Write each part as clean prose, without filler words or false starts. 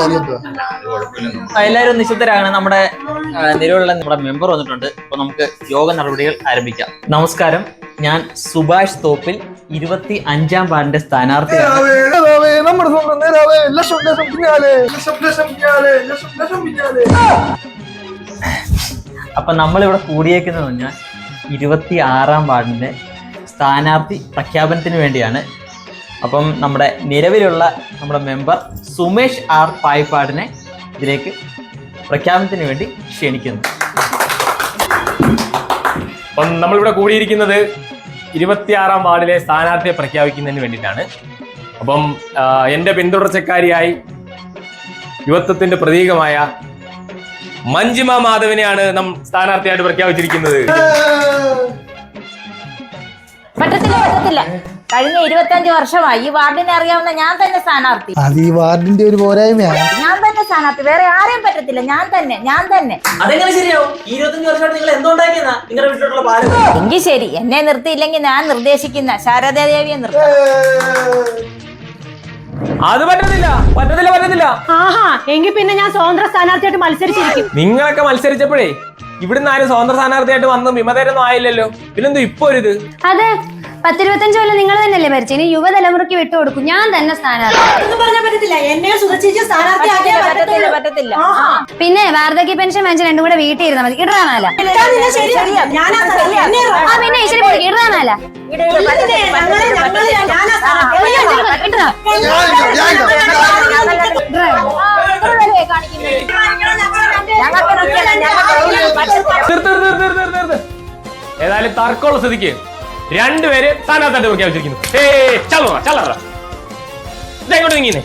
എല്ലാവരും നിശബ്ദരാണ്. നമ്മുടെ നിലവിലുള്ള നമ്മുടെ മെമ്പർ വന്നിട്ടുണ്ട്. അപ്പൊ നമുക്ക് യോഗ നടപടികൾ ആരംഭിക്കാം. നമസ്കാരം, ഞാൻ സുഭാഷ് തോപ്പിൽ 25-ാം വാർഡിന്റെ സ്ഥാനാർത്ഥിയാണ്. അപ്പൊ നമ്മളിവിടെ കൂടിയേക്കുന്നത് പറഞ്ഞാൽ 26-ാം വാർഡിന്റെ സ്ഥാനാർത്ഥി പ്രഖ്യാപനത്തിന് വേണ്ടിയാണ്. അപ്പം നമ്മുടെ നിലവിലുള്ള നമ്മുടെ മെമ്പർ സുമേഷ് ആർ പായിപ്പാടിനെ ഇതിലേക്ക് പ്രഖ്യാപനത്തിന് വേണ്ടി ക്ഷണിക്കുന്നു. അപ്പം നമ്മളിവിടെ കൂടിയിരിക്കുന്നത് 26-ാം വാർഡിലെ സ്ഥാനാർത്ഥിയെ പ്രഖ്യാപിക്കുന്നതിന് വേണ്ടിയിട്ടാണ്. അപ്പം എൻ്റെ പിന്തുടർച്ചക്കാരിയായി യുവത്വത്തിന്റെ പ്രതീകമായ മഞ്ജിമ മാധവിനെയാണ് നാം സ്ഥാനാർത്ഥിയായിട്ട് പ്രഖ്യാപിച്ചിരിക്കുന്നത്. പറ്റത്തില്ല. കഴിഞ്ഞ 25 വർഷമായി ഈ വാർഡിനെ അറിയാവുന്ന ഞാൻ തന്നെ സ്ഥാനാർത്ഥി. അത് ഈ വാർഡിന്റെ ഒരു പോരായ്മയാണ്. ഞാൻ തന്നെ സ്ഥാനാർത്ഥി, വേറെ ആരെയും പറ്റത്തില്ല. ഞാൻ തന്നെ. അതെങ്ങനെ ശരിയാവും? 25 വർഷമായിട്ട് നിങ്ങൾ എന്തുണ്ടാക്കിയെന്നാ നിങ്ങളുടെ വീട്ടിലുള്ള പാലം? എങ്കിൽ ശരി, എന്നെ നിർത്തിയില്ലെങ്കിൽ ഞാൻ നിർദ്ദേശിക്കുന്ന ശാരദാദേവിയെ നിർത്താം. അത് പറ്റത്തില്ല. ആഹാ, എങ്കിൽ പിന്നെ ഞാൻ സ്വതന്ത്ര സ്ഥാനാർത്ഥിയായിട്ട് മത്സരിച്ചിരിക്കും. നിങ്ങളൊക്കെ മത്സരിച്ചപ്പോഴേ ഇവിടുന്ന് ആരും സ്വതന്ത്ര സ്ഥാനാർത്ഥിയായിട്ട് വന്ന് വിമതരൊന്നും ആയില്ലല്ലോ. പിന്നെന്തോ ഇപ്പൊ ഒരു ഇത്? അതെ, 10-25 കൊല്ലം നിങ്ങൾ തന്നെയല്ലേ ഭരിച്ചു. ഇനി യുവതലമുറയ്ക്ക് വിട്ടുകൊടുക്കും. ഞാൻ തന്നെ സ്ഥാനാർത്ഥി. പറ്റത്തില്ല. പിന്നെ വാർദ്ധക്യ പെൻഷൻ വാങ്ങിച്ച് രണ്ടും കൂടെ വീട്ടിൽ ഇരുന്നാൽ മതി. ഇടാനാല പിന്നെ ശരി, ഇടാനാല ഏതായാലും തർക്കമുള്ള സ്ഥിതിക്ക് രണ്ടുപേര് സ്ഥാനാർത്ഥിയായിട്ട് പ്രഖ്യാപിച്ചിരിക്കുന്നു. ഇതെങ്ങോട്ട് നീങ്ങിന്നേ.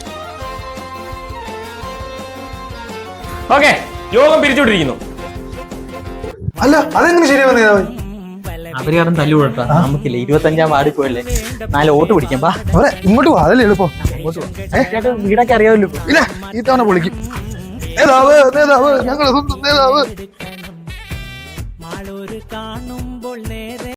ഓക്കെ, യോഗം പിരിച്ചുവിട്ടിരിക്കുന്നു. അല്ല, അതെങ്ങനെ ശരിയാവുന്ന അവര് കാരണം തല്ലുകൊടുത്താ നമുക്കില്ല. 25-ാം വാർഡിൽ പോയല്ലേ 4 വോട്ട് പിടിക്കാം. ഇങ്ങോട്ട് പോവാ, അതല്ലേ എളുപ്പം. വീടൊക്കെ അറിയാമല്ലോ. ഇല്ല, ഈ തവണ പൊളിക്കും. നേതാവ് ഞങ്ങളെ സ്വന്തം നേതാവ്.